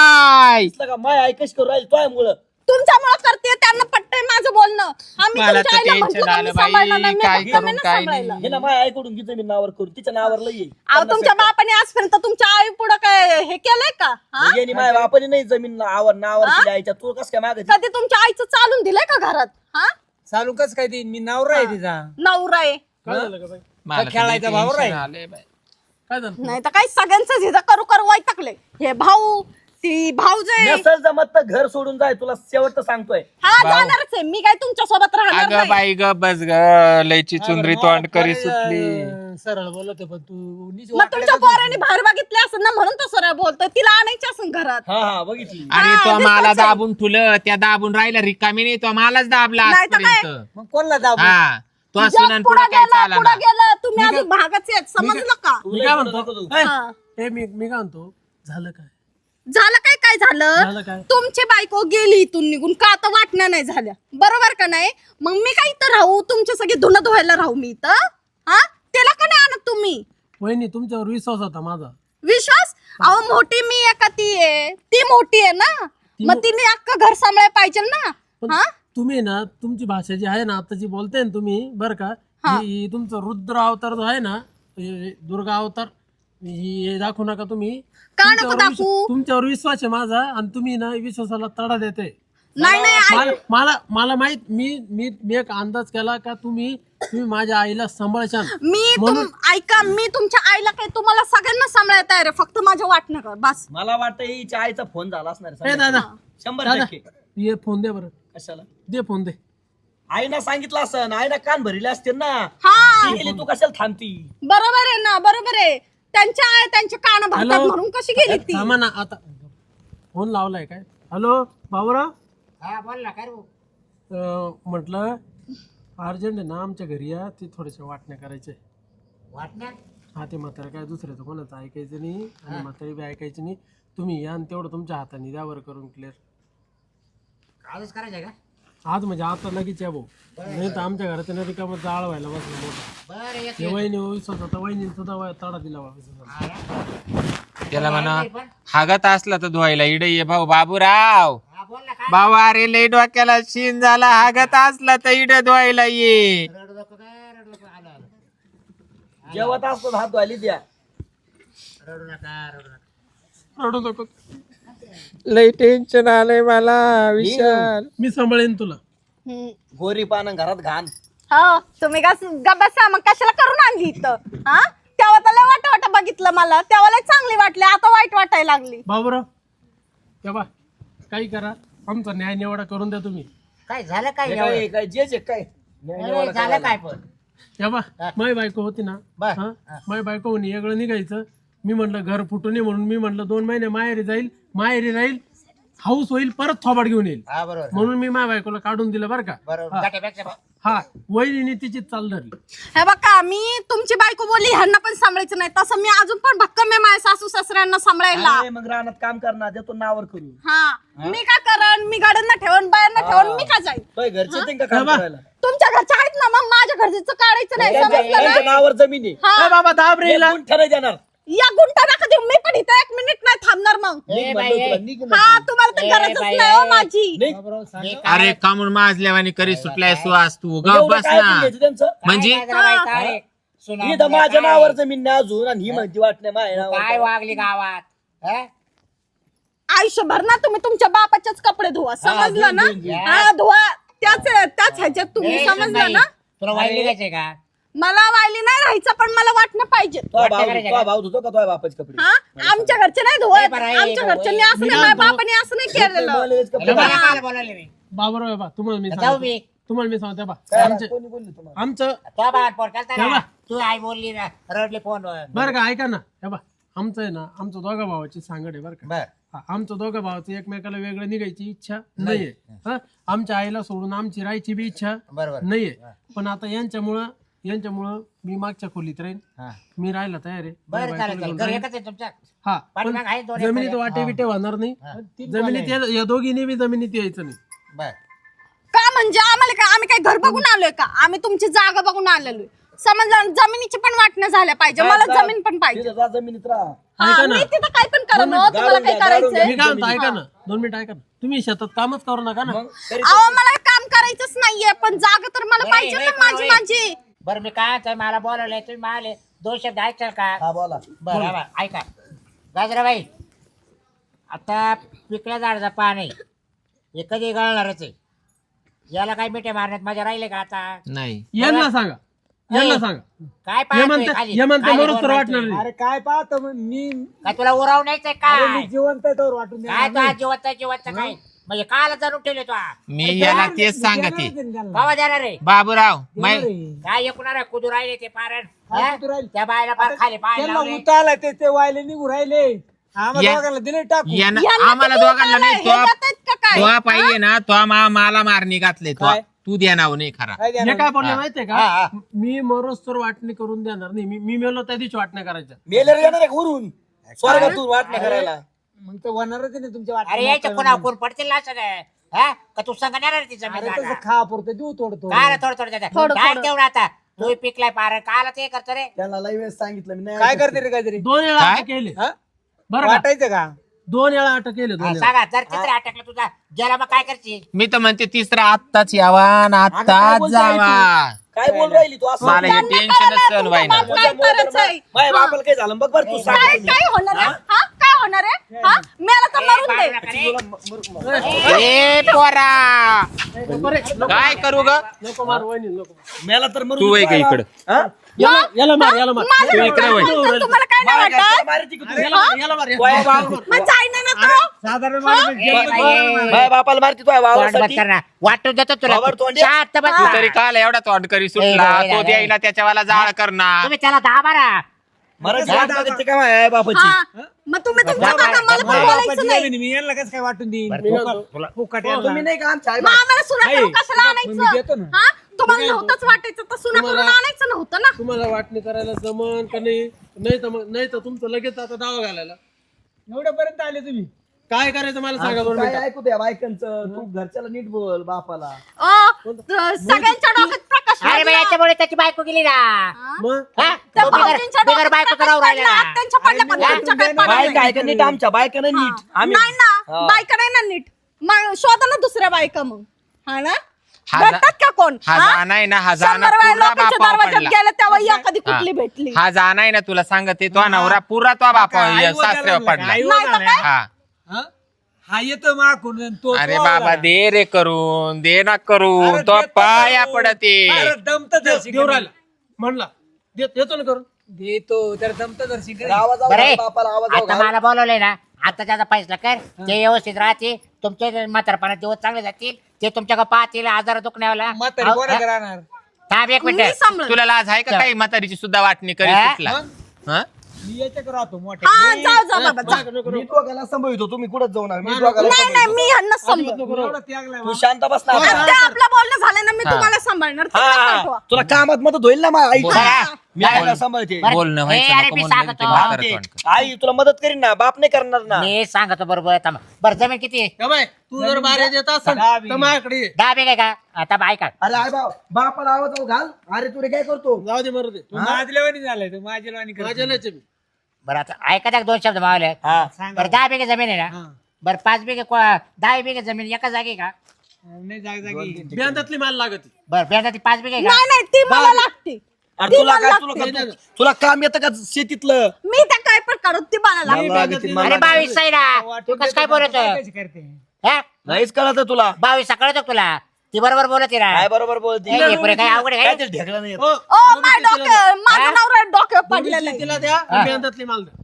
[SPEAKER 1] काय
[SPEAKER 4] दिसलं का माय ऐकच करू राहील तो मुळे
[SPEAKER 2] तुमच्यामुळे करते त्यांना पटतंय माझं बोलणं आम्ही
[SPEAKER 1] मला
[SPEAKER 2] तुमच्या
[SPEAKER 1] तर
[SPEAKER 2] आईला
[SPEAKER 1] टेन्शन
[SPEAKER 2] म्हटलं का
[SPEAKER 1] आलं
[SPEAKER 2] मी सांभाळणार
[SPEAKER 1] बाई,
[SPEAKER 2] नाही, मी
[SPEAKER 1] काय
[SPEAKER 2] फक्त
[SPEAKER 1] करून
[SPEAKER 2] मी ना
[SPEAKER 1] काय
[SPEAKER 2] सांभाळायला.
[SPEAKER 1] नाही.
[SPEAKER 4] हे ना माय ऐकडून घे जमीन नावावर करू तिच्या नावावर लई आहे.
[SPEAKER 2] अहो
[SPEAKER 4] पन्नास
[SPEAKER 2] तुमच्या
[SPEAKER 4] एकर.
[SPEAKER 2] बापाने आजपर्यंत तुमच्या आई पुढे काय हे केलंय का हा?
[SPEAKER 4] यांनी माय बापाने नाही जमीन नावावर नावावर केली आईच्या तू कस काय मागत
[SPEAKER 2] कधी तुमच्या आईचं चालून दिलंय का घरात हा
[SPEAKER 3] चालू कस काय देईन मी नवरा आहे तिचा
[SPEAKER 2] नवरा आहे
[SPEAKER 3] काय झालं का बाई
[SPEAKER 1] मला तर
[SPEAKER 3] खेळायचा भाऊ
[SPEAKER 1] टेन्शन
[SPEAKER 3] राहील.
[SPEAKER 1] आलंय बाई.
[SPEAKER 3] काय झालं
[SPEAKER 2] नाही तर काही सगळ्यांचं झिजा करू करू वैतागले हे भाऊ ती भाऊज आहे
[SPEAKER 4] नसल जमत तर घर सोडून जाय तुला शेवट सांगतोय
[SPEAKER 2] हा जाणारच आहे मी काय तुमच्या सोबत राहणार
[SPEAKER 1] अगं
[SPEAKER 2] नाही
[SPEAKER 1] बाई ग बस ग लयची चुंदरी तोंड करी सुटली
[SPEAKER 3] अं, सरळ बोलत पण तू नीच
[SPEAKER 2] मग तुमच्या
[SPEAKER 3] वाकड्यातच
[SPEAKER 2] पोराने बाहेर बघितले असं ना म्हणून तो सरळ बोलतोय तिला आणायची असेल घरात
[SPEAKER 4] हा हा बघितली
[SPEAKER 1] अरे
[SPEAKER 2] हा,
[SPEAKER 1] तो
[SPEAKER 2] दिसतंच
[SPEAKER 1] मला
[SPEAKER 2] आहे.
[SPEAKER 1] दाबून ठुलं त्या दाबून राहिला रिकामी नाही तो मलाच दाबला
[SPEAKER 2] नाही तर काय?
[SPEAKER 1] आजपर्यंत
[SPEAKER 3] मग कोणला दाबू
[SPEAKER 1] हा तो
[SPEAKER 2] जग
[SPEAKER 1] सुनन
[SPEAKER 2] पुढं
[SPEAKER 1] पुढे काय
[SPEAKER 2] गेलं
[SPEAKER 1] चाला
[SPEAKER 2] पुढं गेलं तुम्ही अजून भागाचे आहेत समजलं का
[SPEAKER 3] मी काय म्हणतो ए,
[SPEAKER 2] हा.
[SPEAKER 3] ए, मी मी काय म्हणतो झालं काय
[SPEAKER 2] झालं काय काय
[SPEAKER 3] झालं
[SPEAKER 2] झालं
[SPEAKER 3] काय?
[SPEAKER 2] तुमची बायको गेली इथून निघून का आता वाटण्या नाही झाल्या बरोबर का नाही मग मी काय इथं राहू तुमच्या सगळे धुणं धुवायला राहू मी इथं हा त्याला का नाही आणत तुम्ही
[SPEAKER 3] वहिनी तुमच्यावर विश्वास होता माझा
[SPEAKER 2] विश्वास अहो मोठी मी आहे का ती आहे ती मोठी आहे ना मग तिने अख्खं घर सांभाळायला पाहिजे ना
[SPEAKER 3] पण
[SPEAKER 2] हा
[SPEAKER 3] तुम्ही ना तुमची भाषा जी आहे ना आता जी बोलताय ना तुम्ही बरं का ही तुमचा रुद्र अवतार जो आहे ना हे दुर्गा अवतार ही हे दाखवू नका तुम्ही
[SPEAKER 2] का नको
[SPEAKER 3] तुमच्यावर
[SPEAKER 2] दाखवू?
[SPEAKER 3] विश्व- तुमच्यावर विश्वास आहे माझा आणि तुम्ही ना विश्वासाला तडा देते
[SPEAKER 2] नाही नाही ऐक-
[SPEAKER 3] मला मला मला माहित मी मी मी एक अंदाज केला का तुम्ही तुम्ही माझ्या आईला सांभाळशाल
[SPEAKER 2] मी तुम ऐका मी तुमच्या आईला काय तुम्हाला सगळ्यांना सांभाळायला तयार आहे फक्त माझ्या वाटणं कर बस
[SPEAKER 4] मला वाटतं हिच्या आईचा फोन झाला असणार
[SPEAKER 3] ए
[SPEAKER 4] आहे.
[SPEAKER 3] दादा
[SPEAKER 4] शंभर
[SPEAKER 3] दादा
[SPEAKER 4] टक्के
[SPEAKER 3] ये फोन दे बरं
[SPEAKER 4] कशाला
[SPEAKER 3] दे फोन दे
[SPEAKER 4] आईना सांगितलं असं आईना कान भरले असते ना
[SPEAKER 2] हा
[SPEAKER 4] ती गेली तू कशाला थांबती
[SPEAKER 2] बरोबर आहे ना बरोबर आहे त्यांच्या आई त्यांचे कान भरतात
[SPEAKER 3] हॅलो?
[SPEAKER 2] म्हणून कशी गेली ती
[SPEAKER 3] थांबा ना आता फोन लावलाय काय हॅलो बाबूराव अं, म्हटलं अर्जंट आहे ना आमच्या घरी या ते थोडेसे वाटण्या करायचे
[SPEAKER 5] वाटण्या
[SPEAKER 3] हा ते म्हातारा काय दुसऱ्याचं कोणाचं ऐकायचं नाही आणि म्हातारी बी ऐकायची नाही तुम्ही या आणि तेवढं तुमच्या हाताने द्या बरं करून क्लिअर
[SPEAKER 5] आजच करायचं का
[SPEAKER 3] आज म्हणजे आता लगेच या भाऊ नाही तर आमच्या घरात नदी का जाळ व्हायला बसलं मोठं
[SPEAKER 5] बरं एक
[SPEAKER 3] हे वहिनी विश्वास होता वहिनी सुद्धा वा- तडा दिला बा विश्वासाला.
[SPEAKER 1] त्याला म्हणा हागत असला तर धुवायला इडे ये भाऊ बाबूराव
[SPEAKER 5] हा बोल ना काय
[SPEAKER 1] भाऊ अरे लय डोक्याला शीन झाला हागत असला तर इडे धुवायला ये
[SPEAKER 5] रडू नको काय रडू नको आलं आलं
[SPEAKER 4] जेवत असतो हात धुवायला द्या
[SPEAKER 5] रडू नका रडू नका
[SPEAKER 3] रडू नको
[SPEAKER 1] लय टेन्शन आलंय मला विशाल
[SPEAKER 3] मी सांभाळेन तुला
[SPEAKER 2] हम्म.
[SPEAKER 4] गोरी पानं घरात घाण
[SPEAKER 2] हो तुम्ही का गबसा मग कशाला करून आणली इथं हा तेव्हा तर लय वाट वाट बघितलं मला तेव्हा लय चांगली वाटली आता वाईट वाटायला लागली
[SPEAKER 3] बाबूराव तेव्हा काही करा आमचा न्याय निवाडा करून द्या तुम्ही
[SPEAKER 5] काय झालं काय
[SPEAKER 4] हे
[SPEAKER 5] एवढं?
[SPEAKER 4] काय काय जे जे काय
[SPEAKER 5] अरे, झालं काय पण
[SPEAKER 3] या बा माझी बायको होती ना
[SPEAKER 5] बर.
[SPEAKER 3] हा माझी बायको म्हणे वेगळं निघायचं. मी म्हटलं घर फुटू नये म्हणून मी म्हटलं दोन महिने माहेरी जाईल माहेरी राहील हाऊस होईल परत थोबाड घेऊन येईल
[SPEAKER 5] हा बरोबर
[SPEAKER 3] म्हणून मी माझ्या बायकोला काढून दिलं बरं का.
[SPEAKER 5] बरोबर गाठ्यापेक्षा बा-
[SPEAKER 3] हा वहिनी तिची चाल धरली.
[SPEAKER 2] हे बघा मी तुमची बायको बोलली ह्यांना पण सांभाळायचं नाही तसं मी अजून पण भक्कम आहे माझ्या सासू सासऱ्यांना सांभाळायला.
[SPEAKER 4] अरे, मग रानात काम करणार देतो नावर करू
[SPEAKER 2] हा मी काय करण मी गाड्यांना ठेवून बायांना ठेवून मी का जाईन.
[SPEAKER 4] तो घरचे ते का काम
[SPEAKER 3] बा.
[SPEAKER 4] करायला
[SPEAKER 2] तुमच्या घरचे आहेत ना मग माझ्या घरचं काढायचं नाही
[SPEAKER 4] त्यांच्या
[SPEAKER 2] समजलं
[SPEAKER 4] त्यांच्या
[SPEAKER 2] ना.
[SPEAKER 4] नावावर जमीन आहे
[SPEAKER 2] हा.
[SPEAKER 3] ए बाबा दाब रे
[SPEAKER 4] एक
[SPEAKER 3] हिला.
[SPEAKER 4] गुंठा नाही देणार
[SPEAKER 2] या गुंठा नका देऊ मी पण इथं एक मिनिट नाही थांबणार मग.
[SPEAKER 5] ए
[SPEAKER 4] निघ
[SPEAKER 5] बाई,
[SPEAKER 4] म्हणलं
[SPEAKER 5] ए.
[SPEAKER 4] तुला, निघ म्हणलं.
[SPEAKER 2] हा तुम्हाला तर
[SPEAKER 5] ए
[SPEAKER 2] गरजच
[SPEAKER 5] बाई,
[SPEAKER 2] नाही हो
[SPEAKER 5] ए.
[SPEAKER 2] माझी.
[SPEAKER 4] निघ.
[SPEAKER 5] मी काय-
[SPEAKER 1] अरे कामून माजल्यावानी करी सुटलाय सुहास तू ग
[SPEAKER 4] एवढं
[SPEAKER 1] बस
[SPEAKER 4] काय
[SPEAKER 1] ना
[SPEAKER 4] घ्यायचं त्यांचं
[SPEAKER 1] म्हणजे
[SPEAKER 5] काय जरा बाई, काय? सुना
[SPEAKER 4] इथं माझ्या
[SPEAKER 5] काय?
[SPEAKER 4] नावावर जमीन नाही अजून आणि ही म्हणती वाटणे माझ्या
[SPEAKER 5] तू काय
[SPEAKER 4] नावावर
[SPEAKER 5] वागली गावात हा?
[SPEAKER 2] आयुष्यभर ना तुम्ही तुमच्या बापाचेच कपडे धुवा समजलं ना.
[SPEAKER 4] धुवून,
[SPEAKER 5] धुवून.
[SPEAKER 2] हा धुवा त्याच त्याच ह्याच्यात तुम्ही
[SPEAKER 5] ए,
[SPEAKER 2] समजलं
[SPEAKER 5] सुनबाई,
[SPEAKER 2] ना.
[SPEAKER 5] तुला वाईट निघायचंय का
[SPEAKER 2] मला वायली नाही राहायचं पण मला वाटणं पाहिजे.
[SPEAKER 4] तो
[SPEAKER 5] वाटण्या
[SPEAKER 4] भाऊ
[SPEAKER 5] करायच्या
[SPEAKER 4] तो
[SPEAKER 5] का?
[SPEAKER 4] भाऊ धुतो का तो बापाचे कपडे
[SPEAKER 2] हा आमच्या घरचे नाही
[SPEAKER 5] ए,
[SPEAKER 2] धुवत
[SPEAKER 5] बरं आहे,
[SPEAKER 2] आमच्या
[SPEAKER 5] बरं
[SPEAKER 2] घरच्यांनी
[SPEAKER 5] आहे.
[SPEAKER 2] असं
[SPEAKER 3] मी
[SPEAKER 2] नाही
[SPEAKER 3] काय
[SPEAKER 2] माझ्या
[SPEAKER 3] म्हणतो?
[SPEAKER 2] बापाने असं नाही केलेलं.
[SPEAKER 4] मलेच कपडे
[SPEAKER 5] मला
[SPEAKER 3] बा.
[SPEAKER 5] काय बोलावले मी
[SPEAKER 3] बाबा बाबा तुम्हाला मी
[SPEAKER 5] जाऊ
[SPEAKER 3] सांगतो
[SPEAKER 5] मी
[SPEAKER 3] तुम्हाला मी सांगतो बा
[SPEAKER 4] काय
[SPEAKER 3] आमचे
[SPEAKER 4] कोणी बोलली तुम्हाला
[SPEAKER 3] आमचं
[SPEAKER 5] तो बाहेर फोन केलता
[SPEAKER 3] तेव्हा.
[SPEAKER 5] ना तू आई बोलली ना रडली फोनवर
[SPEAKER 3] बरं का ऐका ना हे बा आमचं आहे ना आमचं दोघा भावाची सांगड आहे बरं का.
[SPEAKER 5] बर
[SPEAKER 3] हा, आमचं दोघं भावाचं एकमेकाला वेगळं निघायची इच्छा नाहीये. हा आमच्या आईला सोडून आमची राहायची बी इच्छा
[SPEAKER 5] बरोबर
[SPEAKER 3] नाहीये. पण आता यांच्यामुळं यांच्यामुळं मी मागच्या खोलीत राहीन
[SPEAKER 5] हा.
[SPEAKER 3] मी राहायला तयार आहे माझ्या
[SPEAKER 5] बरं
[SPEAKER 3] बायकोला
[SPEAKER 5] चालेल चालेल
[SPEAKER 3] घेऊन
[SPEAKER 5] घर
[SPEAKER 3] राहीन.
[SPEAKER 5] एकच आहे तुमच्या
[SPEAKER 3] हा पण
[SPEAKER 5] पाठीमाग आहे दोन
[SPEAKER 3] जमिनीत
[SPEAKER 5] एकर.
[SPEAKER 3] वाटे बिटे होणार नाही
[SPEAKER 5] हा.
[SPEAKER 3] जमिनीत या- या दोघींनी बी जमिनीत यायचं नाही.
[SPEAKER 5] बर
[SPEAKER 2] का म्हणजे आम्हाला काय आम्ही काय घर बघून आलोय का आम्ही तुमची जागा बघून आलेलोय समजलं. जमिनीची पण वाटणं झाल्या पाहिजे मला
[SPEAKER 4] जा-
[SPEAKER 2] जमीन पण पाहिजे.
[SPEAKER 4] तिथं जा जमिनीत राहा
[SPEAKER 2] हा
[SPEAKER 3] ऐका ना.
[SPEAKER 2] मी तिथं काय पण करू
[SPEAKER 3] दोन
[SPEAKER 2] तुम्हाला काय करायचंय.
[SPEAKER 3] मी काय म्हणतो ऐका ना दोन मिनिट ऐका ना तुम्ही शेतात कामच करू नका ना.
[SPEAKER 4] मग तरी
[SPEAKER 2] अहो मला काम करायचंच नाहीये पण जागा तर मला
[SPEAKER 5] नाही,
[SPEAKER 2] पाहिजे
[SPEAKER 5] नाही,
[SPEAKER 2] ना माझी
[SPEAKER 5] नाही.
[SPEAKER 2] माझी.
[SPEAKER 5] बरं मी काय म्हणतोय, मला बोलवलंय तुम्ही माले दोन शब्द ऐकाल का
[SPEAKER 4] हा बोला
[SPEAKER 5] बरं हा बा, ऐका गाजराबाई आता पिकल्या झाडाचा पान आहे हे कधी गळणारच आहे याला काय मिठे मारण्यात मजा राहिले का आता
[SPEAKER 1] नाही
[SPEAKER 3] यांना सांगा यांना सांगा
[SPEAKER 5] काय
[SPEAKER 3] हे
[SPEAKER 5] पाहतोय
[SPEAKER 3] म्हणते
[SPEAKER 5] खाली?
[SPEAKER 3] हे म्हणते
[SPEAKER 5] खाली
[SPEAKER 3] मरूच
[SPEAKER 5] वर
[SPEAKER 3] तर
[SPEAKER 5] माहिती?
[SPEAKER 3] वाटणार नाही.
[SPEAKER 6] अरे काय पाहतो मग मी
[SPEAKER 5] काय तुला उराव न्यायचंय
[SPEAKER 6] अरे मी
[SPEAKER 5] काय
[SPEAKER 6] जिवंत आहे तोवर वाटून
[SPEAKER 5] काय
[SPEAKER 6] देणार
[SPEAKER 5] तो जिवंत जिवंत काय म्हणजे काला जाणून ठेवले तो
[SPEAKER 1] मी याला तेच सांगते
[SPEAKER 5] गावा देणार रे
[SPEAKER 1] बाबूराव मै
[SPEAKER 5] काय एकूणार आहे कुदू राहिले ते पारण
[SPEAKER 6] काय
[SPEAKER 5] हा?
[SPEAKER 6] कुदू राहिले?
[SPEAKER 5] त्या बायला पार खाली पाय
[SPEAKER 6] त्यांना
[SPEAKER 5] लावले
[SPEAKER 6] उतारला ते ते वायले निघू राहिले आम्हाला
[SPEAKER 1] या-
[SPEAKER 6] दोघांना दिले टाकू
[SPEAKER 1] यानं
[SPEAKER 2] यांना
[SPEAKER 1] आम्हाला
[SPEAKER 2] किती
[SPEAKER 1] दोघांना
[SPEAKER 2] उतारलंय?
[SPEAKER 1] नाही
[SPEAKER 2] हे जातात का काय?
[SPEAKER 1] तो पाहिजे ना तो मा- मला मारणी घातले तो
[SPEAKER 6] काय?
[SPEAKER 1] तू द्या नाव नाही खरा
[SPEAKER 6] काय
[SPEAKER 3] हे
[SPEAKER 6] देणार?
[SPEAKER 3] काय बोलले माहितीये
[SPEAKER 5] हा, हा.
[SPEAKER 3] का मी मरोज तर वाटणी करून देणार नाही मी मी मेलो त्या दिवशी वाटण्या करायच्या.
[SPEAKER 4] मेलर येणार आहे उरून स्वर्गातून वाटण्या करायला
[SPEAKER 6] मग तर होणारच नाही तुमच्या
[SPEAKER 5] अरे
[SPEAKER 6] वाटण्या.
[SPEAKER 5] यायच्या कोणा कोण पडतील ना सगळं हा का तू संग नेणार ती जमीन
[SPEAKER 6] अरे
[SPEAKER 5] जागा?
[SPEAKER 6] तसं खा पुरतं देऊ थोडं
[SPEAKER 5] काय रे
[SPEAKER 6] थोडं
[SPEAKER 5] थोडं थोडं देता?
[SPEAKER 2] थोडं-
[SPEAKER 5] काय
[SPEAKER 2] थोडं.
[SPEAKER 5] तेवढं आता तू पिकलाय पार काला ते करतो रे
[SPEAKER 4] त्यांना लई वेळेस सांगितलं मी नाही
[SPEAKER 6] काय
[SPEAKER 4] ऐकत.
[SPEAKER 6] करते रे काहीतरी
[SPEAKER 3] दोन वेळा
[SPEAKER 1] काय?
[SPEAKER 3] अटक केले
[SPEAKER 6] हा?
[SPEAKER 3] बरं का
[SPEAKER 6] वाटायचं का
[SPEAKER 3] दोन वेळा अटक केले दोन
[SPEAKER 5] हा,
[SPEAKER 3] वेळा.
[SPEAKER 5] सांगा जर तिसरा अटकला तुझा गेला मग काय करशील
[SPEAKER 1] मी तर म्हणते तिसरा आत्ताच यावा आणि
[SPEAKER 4] अगं, काय
[SPEAKER 1] आत्ताच
[SPEAKER 4] बोलते आई
[SPEAKER 1] जावा
[SPEAKER 4] काय बोल राहिली तू असं
[SPEAKER 1] मला हे
[SPEAKER 2] त्यांना
[SPEAKER 1] टेन्शनच
[SPEAKER 2] कळलं
[SPEAKER 1] सहन
[SPEAKER 2] तुमचं
[SPEAKER 1] व्हायना
[SPEAKER 2] बाप काय करायचंय.
[SPEAKER 4] माझ्या बापाला काय झालं बघ बरं तू सांग
[SPEAKER 2] काय काय होणार आहे हा काय होणार आहे हा मेला तर मरून दे.
[SPEAKER 1] ए पोरा काय करू ग
[SPEAKER 3] नको मार वहिनी नको मार.
[SPEAKER 4] मेला तर मरून
[SPEAKER 1] तू वय
[SPEAKER 4] दे.
[SPEAKER 1] का इकडं
[SPEAKER 4] हा?
[SPEAKER 3] याला याला मार याला मार
[SPEAKER 2] माझं
[SPEAKER 1] तू इकडे
[SPEAKER 2] काय
[SPEAKER 1] वळ.
[SPEAKER 2] म्हणतात, तुम्हाला काय नाही
[SPEAKER 4] मार काय,
[SPEAKER 2] वाटत
[SPEAKER 4] तुला मारायची का तू?
[SPEAKER 3] याला मार याला मार याला
[SPEAKER 4] वाया
[SPEAKER 3] मार.
[SPEAKER 4] बाप.
[SPEAKER 2] मग जाईना ना तो
[SPEAKER 6] साधारण माणूस जेवण करून
[SPEAKER 4] माझ्या बापाला मारती तुझ्या भावासाठी
[SPEAKER 5] वाटून देतो तुला
[SPEAKER 4] बाबर तोंडी.
[SPEAKER 5] शांत बस
[SPEAKER 1] तू
[SPEAKER 5] ना.
[SPEAKER 1] तरी काल एवढा तोंड करी
[SPEAKER 5] ए,
[SPEAKER 1] सुटला
[SPEAKER 5] बाई,
[SPEAKER 1] तो
[SPEAKER 5] बाई.
[SPEAKER 1] द्यायला त्याच्यावाला जाळ करणार
[SPEAKER 5] तुम्ही त्याला दहा बारा
[SPEAKER 4] मराठी वाट बघायची का माझ्या बापाची
[SPEAKER 2] हा मग तुम्ही तुमच्या
[SPEAKER 5] बाबा,
[SPEAKER 2] काका मला पण
[SPEAKER 5] बाबा,
[SPEAKER 2] बोलायचं नाही.
[SPEAKER 6] मी यांना कसं काय वाटून देईन
[SPEAKER 5] बरं,
[SPEAKER 6] फुकट- फुकट यांना.
[SPEAKER 4] तुम्ही नाही का आमच्या आई
[SPEAKER 2] मग आम्हाला सुना
[SPEAKER 6] आहे.
[SPEAKER 2] करून कशाला
[SPEAKER 6] मग मी देतो
[SPEAKER 2] आणायचं
[SPEAKER 6] ना.
[SPEAKER 2] हा तुम्हाला नव्हतंच वाटायचं तर सुना करून
[SPEAKER 3] तुम्हाला-
[SPEAKER 2] आणायचं नव्हतं ना.
[SPEAKER 3] तुम्हाला वाटणी करायला जमन का नाही नाही तर मग नाही तर तुमचं लगेच आता दावा घालायला
[SPEAKER 6] एवढ्यापर्यंत आले तुम्ही
[SPEAKER 3] काय करायचं मला सांगा दोन
[SPEAKER 4] काय
[SPEAKER 3] मिनिटं.
[SPEAKER 4] ऐकू द्या बायकांचं तू घरच्याला नीट बोल बापाला
[SPEAKER 2] अ, त- सगळ्यांच्या डोक्यात प्रकाश
[SPEAKER 5] अरे बाई,
[SPEAKER 2] लागला.
[SPEAKER 5] याच्यामुळे त्याची बायको गेली ना
[SPEAKER 2] हा?
[SPEAKER 3] मग
[SPEAKER 5] हा?
[SPEAKER 2] त्या
[SPEAKER 5] तो बिगर-
[SPEAKER 2] भाऊजींच्या
[SPEAKER 5] बिगर
[SPEAKER 2] डोक्यात
[SPEAKER 5] बायको
[SPEAKER 2] प्रकाश
[SPEAKER 5] करावं राहिला
[SPEAKER 2] पडला,
[SPEAKER 5] ना.
[SPEAKER 2] त्यांच्या पडल्या पण
[SPEAKER 6] अरे
[SPEAKER 2] तुमच्या
[SPEAKER 6] मी
[SPEAKER 2] काय
[SPEAKER 6] तुमच्या
[SPEAKER 2] पडलं
[SPEAKER 4] बायका
[SPEAKER 2] नाही.
[SPEAKER 4] आहे का नीट आमच्या बायका नाही नीट आम्ही
[SPEAKER 2] नाही ना
[SPEAKER 4] हा.
[SPEAKER 2] बायका नाही ना नीट मग शोधा ना दुसऱ्या बायका मग हा ना
[SPEAKER 1] हा जा-
[SPEAKER 2] भेटतात का कोण
[SPEAKER 1] हा
[SPEAKER 2] हा?
[SPEAKER 1] जाणा आहे ना हा जाणा
[SPEAKER 2] शंभर वेळा
[SPEAKER 1] पुरा
[SPEAKER 2] लोकांच्या
[SPEAKER 1] बापावर
[SPEAKER 2] दरवाजात
[SPEAKER 1] पडला
[SPEAKER 2] गेले तेव्हा या कधी
[SPEAKER 1] हा.
[SPEAKER 2] कुठली भेटली
[SPEAKER 1] हा जाणा आहे ना तुला सांगते तो नवरा पुरा तो बापा
[SPEAKER 6] आई वडिलांना
[SPEAKER 1] सासऱ्यावर पडला
[SPEAKER 6] आई
[SPEAKER 2] नाही तर
[SPEAKER 6] वडिलांना.
[SPEAKER 2] काय?
[SPEAKER 1] हा
[SPEAKER 6] हा? हा येतो माकून तो
[SPEAKER 1] अरे
[SPEAKER 6] तो
[SPEAKER 1] बाबा
[SPEAKER 6] आला.
[SPEAKER 1] दे रे करून दे ना करून
[SPEAKER 6] अरे
[SPEAKER 1] तो
[SPEAKER 6] देतो
[SPEAKER 1] पाया
[SPEAKER 6] करून.
[SPEAKER 1] पडते
[SPEAKER 6] अरे दमत दर्शी
[SPEAKER 3] देऊ राहिला म्हणला देत- देतो ना करून
[SPEAKER 6] देतो तर दमत दर्शी
[SPEAKER 4] आवाज आवाज
[SPEAKER 5] बरे
[SPEAKER 4] बापाला आवाज
[SPEAKER 5] आता
[SPEAKER 4] आवाज
[SPEAKER 5] मला बोलवलंय ना आता त्याचा फैसला कर ते व्यवस्थित राहते तुमचे म्हातारपणात दिवस चांगले जातील ते तुमच्याकडे पाहतील आजार दुखण्याला
[SPEAKER 6] म्हातारी कोणाकडे राहणार
[SPEAKER 5] थांब एक
[SPEAKER 2] मी
[SPEAKER 5] मिनिट
[SPEAKER 2] सांभाळेन.
[SPEAKER 1] तुला लाज आहे का काही म्हातारीची सुद्धा वाटणी करी
[SPEAKER 5] हा?
[SPEAKER 1] सुटला हा
[SPEAKER 6] मी याच्याकडे राहतो मोठ्या
[SPEAKER 2] हा जा जा बाबा जा.
[SPEAKER 3] नको, नको,
[SPEAKER 4] मी
[SPEAKER 3] नको.
[SPEAKER 4] दोघाला सांभाळतो तुम्ही कुठं जाऊ नका मी दोघाला
[SPEAKER 2] नाही नाही
[SPEAKER 4] सांभाळतो.
[SPEAKER 2] मी ह्यांना सांभाळ
[SPEAKER 3] नको, नको.
[SPEAKER 6] एवढं त्यागलाय
[SPEAKER 4] तू शांत बस ना
[SPEAKER 2] आता
[SPEAKER 4] आता.
[SPEAKER 2] आपलं बोलणं झालं ना मी
[SPEAKER 1] हा.
[SPEAKER 2] तुम्हाला सांभाळणार
[SPEAKER 4] हा,
[SPEAKER 2] तिकडे
[SPEAKER 4] हा.
[SPEAKER 2] पाठवा.
[SPEAKER 4] तुला कामात मदत होईल ना माझ्या
[SPEAKER 1] बोल.
[SPEAKER 4] आईची मी
[SPEAKER 5] बोल.
[SPEAKER 4] आईला सांभाळते
[SPEAKER 5] बरं.
[SPEAKER 1] बोलणं
[SPEAKER 5] ए,
[SPEAKER 1] व्हायचं
[SPEAKER 5] अरे
[SPEAKER 1] नको
[SPEAKER 5] मी
[SPEAKER 1] म्हणून
[SPEAKER 5] सांगतो.
[SPEAKER 1] ते म्हातारं
[SPEAKER 4] बाप ते.
[SPEAKER 1] तोंड कर.
[SPEAKER 4] आई तुला मदत करीन ना बाप नाही करणार ना
[SPEAKER 5] मी सांगतो बरोबर थांब बरं जमीन किती आहे?
[SPEAKER 3] का बाय तू जर बाहेर येत असेल
[SPEAKER 6] दहा
[SPEAKER 3] तर माझ्याकडे ये.
[SPEAKER 5] दहा बिघे का आता ऐका
[SPEAKER 4] अरे आई बाप बापाला आवाज जाऊ घाल अरे तू रे काय करतो
[SPEAKER 3] जाऊ दे मरू दे
[SPEAKER 6] तू माझल्यावानी झालाय तू माझ्यावानी करतो.
[SPEAKER 3] माझ्या नाहीच आहे मी.
[SPEAKER 5] बरं आता ऐका त्या दोन शब्द मावले
[SPEAKER 4] हा
[SPEAKER 6] सांगा.
[SPEAKER 5] बरं दहा बिघे जमीन आहे ना
[SPEAKER 6] हा.
[SPEAKER 5] बरं पाच बिघे को- दहा बिघे जमीन एका जागी का
[SPEAKER 6] नाही जाग जागी
[SPEAKER 3] बेंदातली माल लागत
[SPEAKER 5] बरं बेंदा ती पाच बिघे का
[SPEAKER 2] नाही नाही ती मला लागते
[SPEAKER 4] अरे
[SPEAKER 2] ती
[SPEAKER 4] तुला
[SPEAKER 2] मला
[SPEAKER 4] काय तुला
[SPEAKER 2] लागते.
[SPEAKER 4] का- तू- तुला काम येतं का शेतीतलं
[SPEAKER 2] मी त्या काय पण करत ती मला लागते.
[SPEAKER 4] मला लागते, मला
[SPEAKER 5] अरे
[SPEAKER 4] लागते.
[SPEAKER 5] बावीस आहे ना तू कसं काय बोलत
[SPEAKER 6] कशी करते
[SPEAKER 5] हा?
[SPEAKER 4] नाहीच कळत तुला
[SPEAKER 5] बावीस कळत तुला ती बरोबर बोलत आहे
[SPEAKER 4] काय
[SPEAKER 5] ना
[SPEAKER 4] बरोबर बोलते
[SPEAKER 5] ए, हे पुढे काय अवघड आहे
[SPEAKER 4] काय
[SPEAKER 5] का?
[SPEAKER 4] ते ढेकळं नाही येत.
[SPEAKER 3] हो,
[SPEAKER 2] ओ माय डोक्यावर माझ्या
[SPEAKER 5] हा?
[SPEAKER 2] नवरा डोक्यावर पडलेलं
[SPEAKER 3] डोबीतली
[SPEAKER 2] आहे.
[SPEAKER 3] तिला द्या
[SPEAKER 5] हा.
[SPEAKER 3] आणि बेंदातली माल द्या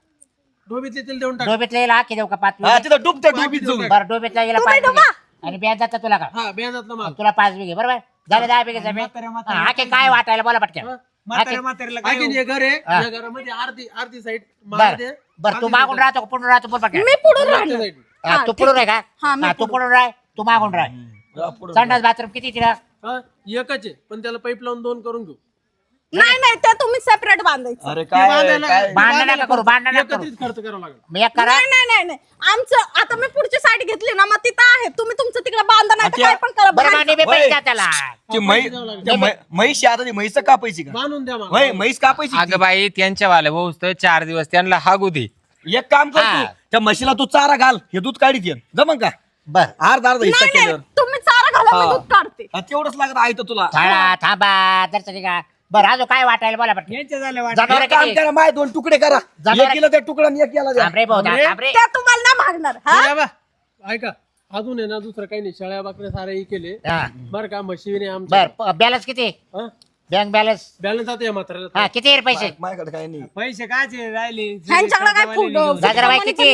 [SPEAKER 3] डोबीतली तिला देऊन टाक
[SPEAKER 5] डोबीतला येईल की देऊ का पाच
[SPEAKER 4] हा
[SPEAKER 5] बिघे?
[SPEAKER 4] तिथं डुबते डुबीत जाऊन
[SPEAKER 5] बरं डोबीतला गेला
[SPEAKER 2] तुम्ही
[SPEAKER 5] पाच बिघे
[SPEAKER 2] डोबा.
[SPEAKER 5] आणि बेंदाचा तुला का
[SPEAKER 3] हा बेंदातला माल
[SPEAKER 5] तुला पाच बिघे बरोबर झाले दहा बिघे जमीन
[SPEAKER 6] म्हाताऱ्या म्हाताऱ्या
[SPEAKER 5] हा की काय वाटायला बोला पटकन
[SPEAKER 3] हा.
[SPEAKER 6] म्हाताऱ्या म्हाताऱ्याला काय
[SPEAKER 3] आणखीन हे घर आहे
[SPEAKER 5] हा.
[SPEAKER 3] या घरामध्ये अर्धी अर्धी साईड
[SPEAKER 5] बर बर तू मागून राहतो का पुढून राहतो बोल पटकन
[SPEAKER 2] मी पुढून राहणार
[SPEAKER 3] साईड
[SPEAKER 5] हा,
[SPEAKER 2] हा,
[SPEAKER 5] तू
[SPEAKER 2] ठीक
[SPEAKER 5] पुढून आहे का
[SPEAKER 2] हा, मी
[SPEAKER 5] हा, तू पुढून राह तू मागून राह
[SPEAKER 4] जा पुढं.
[SPEAKER 5] संडास बाथरूम किती तिला
[SPEAKER 3] हा एकच आहे पण त्याला पाईप लावून दोन करून घेऊ
[SPEAKER 2] नाही नाही ते तुम्ही सेपरेट बांधायचं
[SPEAKER 4] अरे
[SPEAKER 3] ते
[SPEAKER 4] काय
[SPEAKER 3] बांधायला-
[SPEAKER 4] काय
[SPEAKER 3] ते
[SPEAKER 5] भांडण
[SPEAKER 3] बांधायला
[SPEAKER 5] नका करू, भांडण नका करू.
[SPEAKER 3] एकत्रित खर्च करावा लागेल
[SPEAKER 5] मी एक करा
[SPEAKER 2] नाही नाही नाही नाही आमचं आता मी पुढची साईड घेतली ना मग तिथं आहे तुम्ही तुमचं तिकडे बांधा नाही तर
[SPEAKER 4] अच्छा.
[SPEAKER 2] काय पण करा
[SPEAKER 5] बरं
[SPEAKER 2] बाहेर
[SPEAKER 5] मांडी बी
[SPEAKER 4] होय.
[SPEAKER 5] पैसे द्या त्याला
[SPEAKER 4] ती मै- त्या मै- म्हैशी आता ती म्हैस कापायची का
[SPEAKER 3] बांधून द्या मला
[SPEAKER 4] होय म्हैस कापायची
[SPEAKER 1] अगं बाई त्यांच्या वाल्या भाऊ तर चार दिवस त्यांना हागू दे
[SPEAKER 4] ती. एक काम कर
[SPEAKER 5] हा.
[SPEAKER 4] तू त्या म्हशीला तू चारा घाल हे दूध काढीत ये जमन का
[SPEAKER 5] बर
[SPEAKER 4] अर्धा अर्धा हिस्सा
[SPEAKER 2] नाही नाही
[SPEAKER 4] केल्यावर
[SPEAKER 2] तुम्ही चारा घाला मी
[SPEAKER 4] हा.
[SPEAKER 2] दूध काढते
[SPEAKER 4] हा, तेवढंच लागत आहे तर तुला
[SPEAKER 5] थाळा थांबा दर्शनी का बरं अजून काय वाटायला बोला पटकन
[SPEAKER 6] यांच्या झाल्या वाट
[SPEAKER 5] जनावर
[SPEAKER 4] एक काम
[SPEAKER 5] किती
[SPEAKER 4] करा माय दोन तुकडे करा
[SPEAKER 5] जनावर-
[SPEAKER 4] एक केलं त्या तुकडा आणि एक याला द्या
[SPEAKER 5] थांब रे भाऊ
[SPEAKER 3] थांब रे.
[SPEAKER 5] थांब रे
[SPEAKER 2] त्या तुम्हाला नाही मागणार हा
[SPEAKER 3] या बा, ऐका अजून आहे ना दुसरं काही नाही शेळ्या बाकऱ्या सारे केले
[SPEAKER 5] हा.
[SPEAKER 3] बरं का म्हशीने आमच्या
[SPEAKER 5] बर बॅलन्स किती
[SPEAKER 3] हा?
[SPEAKER 5] बँक बॅलन्स
[SPEAKER 3] बॅलन्स आता या म्हाताऱ्याला
[SPEAKER 5] हा किती आहे रे पैसे
[SPEAKER 4] माझ्याकडे काय नाही
[SPEAKER 6] पैसे कायचे राहिले
[SPEAKER 2] ह्यांच्याकडे काय फुट
[SPEAKER 5] गाजराबाई किती?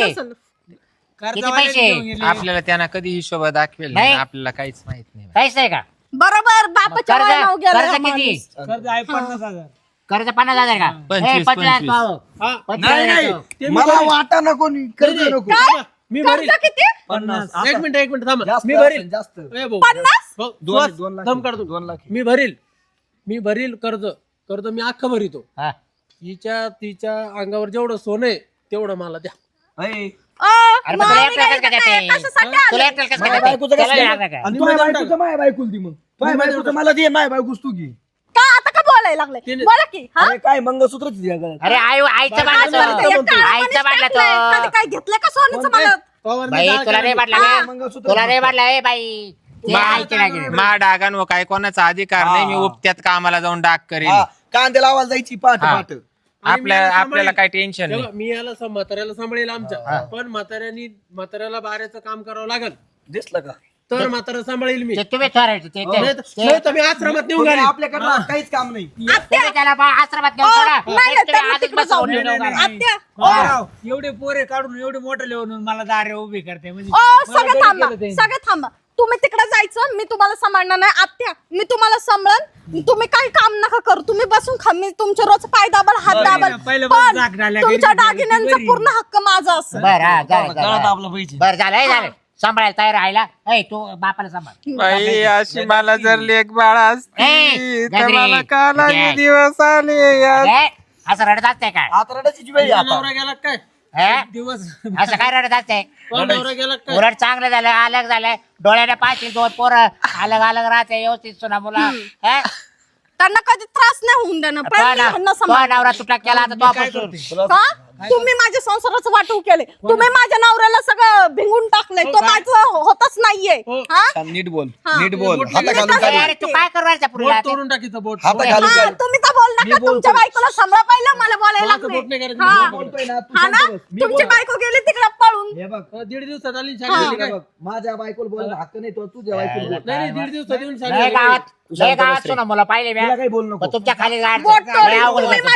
[SPEAKER 6] कर्जवाले
[SPEAKER 5] पैसे?
[SPEAKER 6] घेऊन गेले.
[SPEAKER 1] आपल्याला त्यांना कधी हिशोब दाखवेल
[SPEAKER 5] नाही.
[SPEAKER 1] नाही आपल्याला काहीच माहित नाही
[SPEAKER 5] काहीच नाही का
[SPEAKER 2] बरोबर बापाच्या
[SPEAKER 5] कर्ज
[SPEAKER 2] वयानं गेला
[SPEAKER 5] कर्ज
[SPEAKER 2] हा
[SPEAKER 5] किती
[SPEAKER 2] माणूस.
[SPEAKER 6] कर्ज आहे पन्नास हजार
[SPEAKER 5] कर्ज पन्नास हजार का
[SPEAKER 1] पंचवीस,
[SPEAKER 5] ए, पंचवीस
[SPEAKER 1] पंचवीस.
[SPEAKER 5] भाऊ.
[SPEAKER 3] हा
[SPEAKER 5] पंचवीस
[SPEAKER 4] नाही
[SPEAKER 5] हजार
[SPEAKER 4] नाही
[SPEAKER 5] देतो.
[SPEAKER 3] ते मी
[SPEAKER 4] मला
[SPEAKER 3] भरीन.
[SPEAKER 4] वाटा नको नी, कर्ज
[SPEAKER 3] नाही,
[SPEAKER 4] नको
[SPEAKER 2] काय?
[SPEAKER 3] मी
[SPEAKER 2] कर्ज
[SPEAKER 3] भरील
[SPEAKER 2] किती
[SPEAKER 4] पन्नास
[SPEAKER 3] एक मिनिट एक मिनिट थांबा
[SPEAKER 4] जास्त
[SPEAKER 3] मी भरील
[SPEAKER 4] असेल, जास्त
[SPEAKER 3] ए भाऊ,
[SPEAKER 2] पन्नास?
[SPEAKER 3] भाऊ,
[SPEAKER 4] दोन-
[SPEAKER 3] सुहास,
[SPEAKER 4] दोन लाख
[SPEAKER 3] दम
[SPEAKER 4] आहे.
[SPEAKER 3] काढतो
[SPEAKER 4] दोन लाख आहे.
[SPEAKER 3] मी भरील मी भरील कर्ज कर्ज मी अख्खं भरितो
[SPEAKER 5] हा.
[SPEAKER 3] हिच्या तिच्या अंगावर जेवढं सोनं आहे तेवढं मला द्या
[SPEAKER 4] अय,
[SPEAKER 2] अ,
[SPEAKER 5] अरे
[SPEAKER 2] मग
[SPEAKER 5] मग तुला
[SPEAKER 2] आम्ही
[SPEAKER 5] एकट्याला
[SPEAKER 2] काय
[SPEAKER 5] कसं काय
[SPEAKER 2] काय-
[SPEAKER 5] देते?
[SPEAKER 2] कशासाठी
[SPEAKER 5] तुला
[SPEAKER 2] आलोय?
[SPEAKER 5] एकट्याला कसं
[SPEAKER 4] माझ्या
[SPEAKER 5] काय
[SPEAKER 4] बायकोचं
[SPEAKER 5] देते?
[SPEAKER 4] कसं
[SPEAKER 5] त्याला
[SPEAKER 4] काय?
[SPEAKER 5] लागलं का?
[SPEAKER 4] आणि
[SPEAKER 3] तुम्ही
[SPEAKER 4] माझ्या
[SPEAKER 3] देऊन
[SPEAKER 4] बायकोचं माझ्या बायकोला दे मग माझ्या बायकोचं मला दे माझ्या बायकोच तू घे
[SPEAKER 2] का आता का बोलायला लागले
[SPEAKER 3] तिने-
[SPEAKER 2] बोला की हा
[SPEAKER 4] अरे काय मंगळसूत्रच द्या गळ्यात.
[SPEAKER 5] अरे आई आईचं
[SPEAKER 3] बाई,
[SPEAKER 5] बांधलं
[SPEAKER 3] बाई,
[SPEAKER 5] तो.
[SPEAKER 3] बाई,
[SPEAKER 2] एक काळा
[SPEAKER 5] आईचं
[SPEAKER 2] माणूस
[SPEAKER 5] बांधलं
[SPEAKER 2] टाकलंय. कधी
[SPEAKER 5] तो
[SPEAKER 2] काय घेतलंय का सोन्याचं मला
[SPEAKER 3] पवारने
[SPEAKER 5] बाई
[SPEAKER 3] जाळ
[SPEAKER 5] तुला नाही
[SPEAKER 3] केला.
[SPEAKER 5] बांधला
[SPEAKER 2] हा,
[SPEAKER 5] का?
[SPEAKER 4] मंगळसूत्र
[SPEAKER 5] तुला नाही बांधला ए बाई ते
[SPEAKER 1] मा-
[SPEAKER 5] आईचे लागले
[SPEAKER 1] मा डागान व काय कोणाचा अधिकार नाही मी
[SPEAKER 4] हा.
[SPEAKER 1] उपत्यात कामाला जाऊन डाग करेन
[SPEAKER 4] हा, कांदे लावायला जायची पाठ
[SPEAKER 1] हा.
[SPEAKER 4] पाठ
[SPEAKER 3] आणि मी
[SPEAKER 1] आपल्या
[SPEAKER 3] याला
[SPEAKER 1] आपल्याला
[SPEAKER 3] सांभाळेल.
[SPEAKER 1] काय टेन्शन
[SPEAKER 3] तेव्हा
[SPEAKER 1] नाही
[SPEAKER 3] मी याला सं- म्हाताऱ्याला सांभाळेल आमच्या पण म्हाताऱ्यानी म्हाताऱ्याला बाऱ्याचं काम करावं लागल
[SPEAKER 4] दिसलं का
[SPEAKER 3] तर म्हातारा सांभाळेल मी
[SPEAKER 5] ते तुम्ही ठरवायचे ते- ते-
[SPEAKER 3] नाही तर- नाही तर मी आश्रमात नेऊन
[SPEAKER 4] कोणी
[SPEAKER 3] घालीन.
[SPEAKER 4] आपल्याकडे काहीच काम नाही
[SPEAKER 5] तुम्ही त्याला बा- आश्रमात घेऊन
[SPEAKER 2] अ,
[SPEAKER 5] सोडा.
[SPEAKER 2] नाही नाही
[SPEAKER 5] तुम्ही
[SPEAKER 2] त्यांना
[SPEAKER 5] आजच
[SPEAKER 2] तिकडे
[SPEAKER 5] बसवून
[SPEAKER 2] जाऊ
[SPEAKER 5] नेऊन
[SPEAKER 6] नाही,
[SPEAKER 5] घाला.
[SPEAKER 6] नाही.
[SPEAKER 2] आत्या
[SPEAKER 6] हो, राव, एवढे पोरे काढून एवढे मोठे लिहून मला दारे उभी करते म्हणजे
[SPEAKER 2] ओ
[SPEAKER 6] मला
[SPEAKER 2] सगळं
[SPEAKER 6] गडी
[SPEAKER 2] थांबा
[SPEAKER 6] केलं त्यांनी.
[SPEAKER 2] सगळं थांबा तुम्ही तिकडे जायचं मी तुम्हाला सांभाळणार नाही आत्या मी तुम्हाला सांभाळन तुम्ही काही काम नका करू तुम्ही बसून खा मी तुमचे रोज पाय दाबल हात
[SPEAKER 6] बरं,
[SPEAKER 2] दाबल
[SPEAKER 6] पहिलं
[SPEAKER 2] पण
[SPEAKER 6] जाग डाल्या,
[SPEAKER 2] तुमच्या
[SPEAKER 6] घरी गेली,
[SPEAKER 2] दागिन्यांचा
[SPEAKER 6] बरी.
[SPEAKER 2] पूर्ण हक्क माझा असेल
[SPEAKER 5] बरं हा झालं,
[SPEAKER 4] गळ्यात
[SPEAKER 5] झालं.
[SPEAKER 4] आपलं पाहिजे
[SPEAKER 5] बरं झालं हे झालं सांभाळायला तयार राहिला ऐ तू बापाला सांभाळ
[SPEAKER 1] बाई अशी मला जर लेख बाळ
[SPEAKER 5] ए,
[SPEAKER 1] असती तर
[SPEAKER 5] गजरे,
[SPEAKER 1] मला काला
[SPEAKER 5] गॅस.
[SPEAKER 1] दिवस आले या
[SPEAKER 5] ए, असं रडत असते काय
[SPEAKER 4] आता रडायची वेळ आहे
[SPEAKER 3] तुझा
[SPEAKER 4] आता
[SPEAKER 3] नवरा गेला का काय
[SPEAKER 5] हे?
[SPEAKER 6] दिवस
[SPEAKER 5] असं काय रडत असते
[SPEAKER 3] तुझा नवरा गेला का काय
[SPEAKER 5] उलट चांगलं झालं अलग झालं डोळ्याने पाहतील दोन पोरं अलग अलग राहते व्यवस्थित सुना मुला हे?
[SPEAKER 2] त्यांना कधी त्रास नाही होऊन देणार
[SPEAKER 5] तो
[SPEAKER 2] पण मी
[SPEAKER 5] ना-
[SPEAKER 2] ह्यांना
[SPEAKER 5] तो
[SPEAKER 2] सांभाळणार.
[SPEAKER 5] नवरा तुटा केला आता तो पासून
[SPEAKER 4] तुला
[SPEAKER 2] का तुम्ही माझ्या संसाराचं वाटू केले तुम्ही माझ्या नवऱ्याला सगळं भिंगून टाकलंय तो माझं होतच नाहीये
[SPEAKER 3] हो.
[SPEAKER 2] हा
[SPEAKER 4] छान, नीट बोल
[SPEAKER 2] हा.
[SPEAKER 4] नीट बोल
[SPEAKER 3] बोट
[SPEAKER 4] हाता
[SPEAKER 2] मी
[SPEAKER 4] घालून
[SPEAKER 2] कसं
[SPEAKER 4] चालेल.
[SPEAKER 5] अरे तू काय करणार त्या
[SPEAKER 3] बोट
[SPEAKER 5] पुरीला
[SPEAKER 3] तोडून टाकीचं बोट
[SPEAKER 4] हाता घालून
[SPEAKER 2] हा,
[SPEAKER 4] चालेल.
[SPEAKER 2] तुम्ही तर बोल
[SPEAKER 4] मी
[SPEAKER 2] नका
[SPEAKER 4] बोलतो.
[SPEAKER 2] तुमच्या बायकोला सांभाळा पहिलं मला बोलायला
[SPEAKER 3] माझं बोट नाही
[SPEAKER 2] लागले
[SPEAKER 3] करायचं,
[SPEAKER 2] हा.
[SPEAKER 3] मी
[SPEAKER 4] बोलतोय ना, तू
[SPEAKER 2] हा ना
[SPEAKER 4] शांत बस. मी
[SPEAKER 2] तुमची
[SPEAKER 4] बोल.
[SPEAKER 2] बायको गेली तिकडे पळून
[SPEAKER 4] हे बघ
[SPEAKER 3] हा, दीड दिवसात आली
[SPEAKER 2] हा.
[SPEAKER 3] शाळेत
[SPEAKER 4] हे
[SPEAKER 3] काय
[SPEAKER 4] बघ, माझ्या बायकोला बोलायला हक्क नाही तो तुझ्या बायकोला बोल.
[SPEAKER 3] नाही नाही दीड दिवसात येऊन
[SPEAKER 5] लय
[SPEAKER 3] सांगितलं
[SPEAKER 5] गावात
[SPEAKER 4] तू
[SPEAKER 5] लय
[SPEAKER 4] शांत
[SPEAKER 5] गावात
[SPEAKER 4] बस रे.
[SPEAKER 5] सुना मुलं पाहिले
[SPEAKER 4] तिला
[SPEAKER 5] म्या
[SPEAKER 4] काही बोल नको
[SPEAKER 5] पण तुमच्या खाली गाड
[SPEAKER 2] बोट
[SPEAKER 5] लय
[SPEAKER 2] तोडून
[SPEAKER 5] अवघड
[SPEAKER 2] तुम्ही
[SPEAKER 5] होतं
[SPEAKER 2] माझे
[SPEAKER 5] तुमचं.
[SPEAKER 2] बोट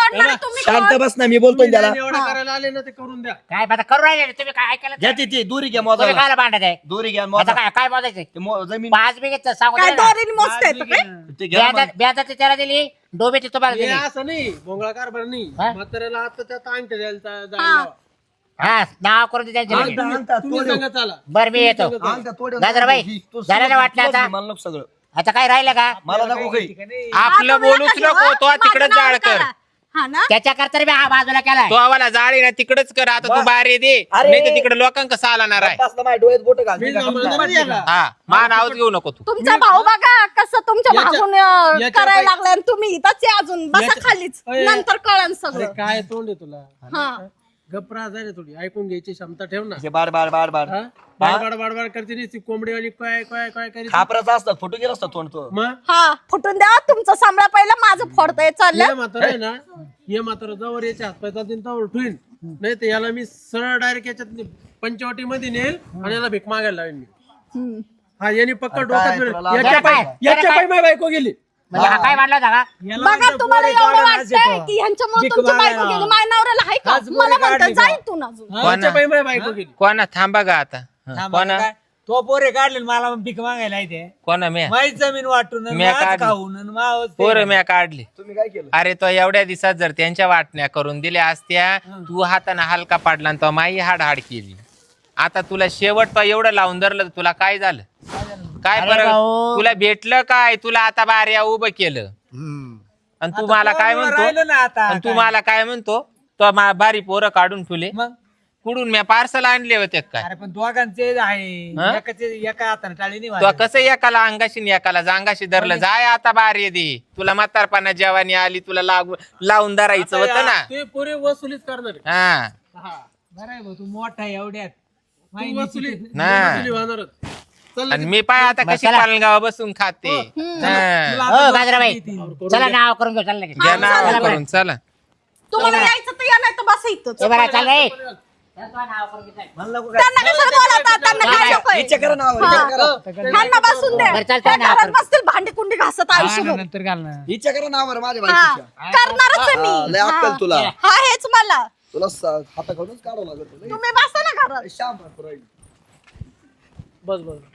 [SPEAKER 2] तोडणार तुम्ही
[SPEAKER 4] शांत
[SPEAKER 2] कोण?
[SPEAKER 4] बस ना मी बोलतोय
[SPEAKER 3] तुम्ही
[SPEAKER 4] त्याला
[SPEAKER 3] ज्याने एवढं करायला आले ना ते करून द्या.
[SPEAKER 5] काय आता करू राहिले रे? तुम्ही काय ऐकायला
[SPEAKER 4] घ्या ती ती दुरी घ्या
[SPEAKER 5] तुम्ही
[SPEAKER 4] मोजायला
[SPEAKER 5] कायला भांडत आहे?
[SPEAKER 4] दुरी घ्या
[SPEAKER 5] आता
[SPEAKER 4] मोजा
[SPEAKER 5] काय काय मोजायचं?
[SPEAKER 4] ते मो- जमीन
[SPEAKER 5] पाच बिघेच सांगू
[SPEAKER 2] काय
[SPEAKER 5] दे ना.
[SPEAKER 2] दोरीने मोजता येतं काय?
[SPEAKER 4] ते घ्या मग.
[SPEAKER 5] ब्याजा- ब्याजाची त्याला दिली, डोबेची तुम्हाला
[SPEAKER 3] हे
[SPEAKER 5] दिली.
[SPEAKER 3] असं नाही भोंगळा कारभार नाही.
[SPEAKER 5] हा?
[SPEAKER 3] म्हाताऱ्याला आता त्यात अंगठ्या द्यायला जा- जायला
[SPEAKER 2] हा.
[SPEAKER 3] लावा.
[SPEAKER 5] हा नाव करून दे त्यांच्या
[SPEAKER 4] आणता,
[SPEAKER 5] लगेच.
[SPEAKER 4] आणता,
[SPEAKER 3] तुम्ही
[SPEAKER 4] तोडव.
[SPEAKER 3] सांगा चला.
[SPEAKER 5] बरं मी येतो.
[SPEAKER 4] आणता, तोडव.
[SPEAKER 5] गाजराबाई,
[SPEAKER 4] तू
[SPEAKER 5] झालं ना
[SPEAKER 4] सगळं-
[SPEAKER 5] वाटलं
[SPEAKER 4] तुलाच
[SPEAKER 5] आता?
[SPEAKER 4] घे, मला नको सगळं
[SPEAKER 5] आता काय राहिलं का?
[SPEAKER 4] मला नको काही
[SPEAKER 1] आपलं
[SPEAKER 2] आता
[SPEAKER 1] बोलूच
[SPEAKER 2] नका
[SPEAKER 1] नको
[SPEAKER 2] घेऊ,
[SPEAKER 1] तो
[SPEAKER 2] हा.
[SPEAKER 1] तिकडे
[SPEAKER 2] माझं नाव
[SPEAKER 1] जाळ कर
[SPEAKER 2] करा. हा ना
[SPEAKER 5] त्याच्या करता मी हा बाजूला केलाय.
[SPEAKER 1] तो आम्हाला जाळी ना तिकडेच कर आता तू
[SPEAKER 4] वा.
[SPEAKER 1] बाहेर दे
[SPEAKER 4] अरे.
[SPEAKER 1] नाही तर तिकडे लोकांका सालाणार आहे
[SPEAKER 4] बसला माझ्या डोळ्यात बोट घाल
[SPEAKER 3] मी सांभाळणार नाही याला.
[SPEAKER 1] हा मा नावच घेऊ नको तू
[SPEAKER 2] तुमचा भाऊ बघा कसं तुमच्या
[SPEAKER 3] याच्या-
[SPEAKER 2] मागून अं,
[SPEAKER 3] याच्या
[SPEAKER 2] करायला
[SPEAKER 3] बाई-
[SPEAKER 2] लागलाय आणि तुम्ही इथंच आहे अजून बसा
[SPEAKER 3] याच्या-
[SPEAKER 2] खालीच
[SPEAKER 3] अय.
[SPEAKER 2] नंतर कळन
[SPEAKER 3] अरे
[SPEAKER 2] सगळं
[SPEAKER 3] काय तोंड आहे तुला?
[SPEAKER 2] हा
[SPEAKER 3] गप्रा जाय रे थोडी ऐकून घ्यायची क्षमता ठेव ना.
[SPEAKER 4] बार बार बार बार
[SPEAKER 3] हा? बाडबाड बाडबाड करते नी ती कोंबडी आणि काय काय काय करीत.
[SPEAKER 4] खापराचा असतात फोटो गेला असतात तोंड तो
[SPEAKER 3] मग
[SPEAKER 2] हा फुटून द्या तुमचं सांभाळ पहिलं माझं फोडतंय
[SPEAKER 3] ये
[SPEAKER 2] चाललं
[SPEAKER 3] म्हातारा आहे ना, ये म्हातारा जवळ याच्या हातपाय जातील तवर ठेवीन. नाही तर याला मी सरळ डायरेक्ट याच्यात पंचवटी मध्ये नेल आणि याला भीक मागायला लावेन मी.
[SPEAKER 2] हम्म.
[SPEAKER 3] हा यांनी पक्का
[SPEAKER 4] काय
[SPEAKER 3] डोक्यात
[SPEAKER 4] तुला
[SPEAKER 3] फिरवलं.
[SPEAKER 4] लाज
[SPEAKER 3] याच्या
[SPEAKER 5] वाटते?
[SPEAKER 3] पाय
[SPEAKER 5] काय?
[SPEAKER 3] याच्या पाय माझी बायको गेली.
[SPEAKER 5] म्हणजे हा काय वाटला होता का?
[SPEAKER 2] बघा तुम्हाला एवढं वाटतंय की ह्यांच्यामुळे तुमची बायको गेली माझ्या नवऱ्याला आहे का मला म्हणतात जाईल तू ना अजून
[SPEAKER 3] याच्या पाय माझी बायको गेली.
[SPEAKER 1] कोणा थांबा गा आता हा, कोणा
[SPEAKER 6] तो पोरे काढले आणि मला भीक मागायला येते
[SPEAKER 1] कोणा म्या
[SPEAKER 6] माहीत जमीन वाटून आणि
[SPEAKER 1] म्या
[SPEAKER 6] माझं
[SPEAKER 1] काढली.
[SPEAKER 6] खाऊन आणि मावस ते.
[SPEAKER 1] पोरं म्या काढली
[SPEAKER 4] तुम्ही काय केलं
[SPEAKER 1] अरे तो एवढ्या दिवसात जर त्यांच्या वाटण्या करून दिल्या असत्या तू हाताने हलका पाडला आणि तो माई हाड हाड केली आता तुला शेवट तो एवढं लावून धरलं तर तुला काय झालं काय
[SPEAKER 5] अरे
[SPEAKER 1] बरं
[SPEAKER 5] भाऊ.
[SPEAKER 1] तुला भेटलं काय तुला आता बाऱ्या उभं केलं आणि तू
[SPEAKER 6] आता
[SPEAKER 1] मला काय
[SPEAKER 6] पोरामुळं राहिलं
[SPEAKER 1] म्हणतो
[SPEAKER 6] ना आता
[SPEAKER 1] आणि तू
[SPEAKER 6] काय?
[SPEAKER 1] मला काय म्हणतो तो मा- बारी पोरं काढून ठेवले
[SPEAKER 6] मग
[SPEAKER 1] कुडून मी पार्सल आणले होते काय
[SPEAKER 6] अरे पण दोघांचे आहे
[SPEAKER 1] हा?
[SPEAKER 6] एकाचे एका हाताने टाळी नाही
[SPEAKER 1] तो
[SPEAKER 6] वाजत.
[SPEAKER 1] कसं एकाला अंगाशी आणि एकाला जांगाशी धरलं जाय आता बारी दे तुला म्हातारपणा जेवानी आली तुला लागू लावून धरायचं होतं ना
[SPEAKER 3] ते पुरे वसुलीच करणार आहे.
[SPEAKER 1] हा
[SPEAKER 3] हा.
[SPEAKER 6] बरं आहे भाऊ, तू मोठा आहे एवढ्यात
[SPEAKER 3] तू
[SPEAKER 6] माहिती
[SPEAKER 3] वसुली
[SPEAKER 6] किती-
[SPEAKER 1] ना.
[SPEAKER 3] वसुली होणारच. चल
[SPEAKER 1] आणि मी पाय आता कशी
[SPEAKER 5] चला.
[SPEAKER 1] पालगाव बसून खाते
[SPEAKER 6] तुला
[SPEAKER 1] हा.
[SPEAKER 6] आता
[SPEAKER 5] हो
[SPEAKER 6] दोघं
[SPEAKER 5] गाजराबाई
[SPEAKER 6] किती?
[SPEAKER 5] चला नाव करून घेऊ. चला लगेच.
[SPEAKER 1] घ्या
[SPEAKER 2] हा,
[SPEAKER 1] नाव
[SPEAKER 2] चला
[SPEAKER 1] करून चला
[SPEAKER 2] तुम्हाला यायचं तर या नाही तर बसा इथंच
[SPEAKER 5] ए बरं, चल रे. चल तो नाव करून घे, चल.
[SPEAKER 4] मला नको काय
[SPEAKER 2] त्यांना कशाला बोलवता त्यांना काय नकोय
[SPEAKER 4] विचार करा ना
[SPEAKER 2] हा.
[SPEAKER 4] विचार करा
[SPEAKER 2] ह्यांना बसून द्या
[SPEAKER 5] बरं, चालतंय
[SPEAKER 2] त्या
[SPEAKER 5] ना
[SPEAKER 2] घरात
[SPEAKER 5] आपण.
[SPEAKER 2] बसतील भांडी कुंडी घासत
[SPEAKER 6] हा,
[SPEAKER 2] आयुष्यभर
[SPEAKER 6] नंतर घाल ना
[SPEAKER 4] विचार करा ना बरं माझ्या
[SPEAKER 2] हा
[SPEAKER 4] बायकोच्या
[SPEAKER 2] करणारच आहे
[SPEAKER 4] हा, लय
[SPEAKER 2] मी
[SPEAKER 4] अक्कल
[SPEAKER 2] हा.
[SPEAKER 4] तुला
[SPEAKER 2] हा हेच मला
[SPEAKER 4] तुला स- हाताखालूनच काढावं लागत
[SPEAKER 2] तुम्ही बसा ना घरात
[SPEAKER 4] श्याम भरपूर राहील
[SPEAKER 3] बस बस